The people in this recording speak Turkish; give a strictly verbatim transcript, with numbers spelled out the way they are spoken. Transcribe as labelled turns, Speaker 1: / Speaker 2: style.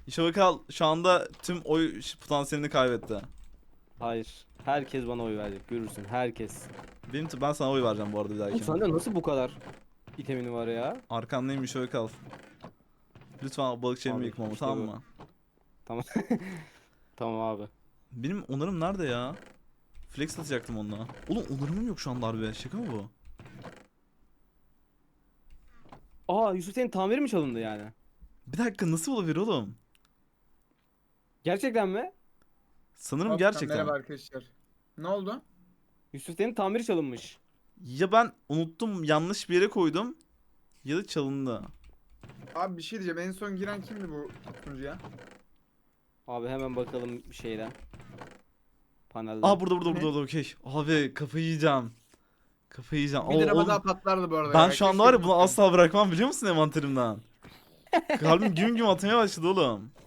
Speaker 1: Şevkal şu anda tüm oy potansiyelini kaybetti.
Speaker 2: Hayır. Herkes bana oy verecek. Görürsün. Herkes.
Speaker 1: Benim ben sana oy vereceğim bu arada bir
Speaker 2: Oğlum
Speaker 1: dahaki.
Speaker 2: sende nasıl bu kadar itemini var ya?
Speaker 1: Arkandayım Şevkal. Lütfen balıkçı elimi
Speaker 2: Abi,
Speaker 1: yıkma ama,
Speaker 2: işte
Speaker 1: tamam
Speaker 2: bu.
Speaker 1: mı?
Speaker 2: Tamam. Tamam abi.
Speaker 1: Benim onarım nerede ya? Flex atacaktım onunla. Oğlum onarımım yok şu anda harbi. Şaka mı bu?
Speaker 2: Aa, Yusuf senin tamiri mi çalındı yani?
Speaker 1: Bir dakika, nasıl olabilir oğlum?
Speaker 2: Gerçekten mi?
Speaker 1: Sanırım
Speaker 3: Altan,
Speaker 1: gerçekten.
Speaker 3: merhaba arkadaşlar. Ne oldu?
Speaker 2: Yusuf senin tamiri çalınmış.
Speaker 1: Ya ben unuttum, yanlış bir yere koydum ya da çalındı.
Speaker 3: Abi bir şey diyeceğim. En son giren kimdi bu sunucuya?
Speaker 2: Abi hemen bakalım bir şeyden. Panelden.
Speaker 1: Aa, burada burada
Speaker 3: Ne?
Speaker 1: burada, burada, okey. Abi kafayı yiyeceğim. Kafayı yiyeceğim.
Speaker 3: Bir
Speaker 1: Oo,
Speaker 3: araba
Speaker 1: oğlum,
Speaker 3: daha patlardı bu arada
Speaker 1: ben
Speaker 3: ya.
Speaker 1: şu anda
Speaker 3: Keşke
Speaker 1: var ya bunu
Speaker 3: unutmayayım.
Speaker 1: asla bırakmam, biliyor musun envanterimden? Kalbim güm güm atmaya başladı oğlum.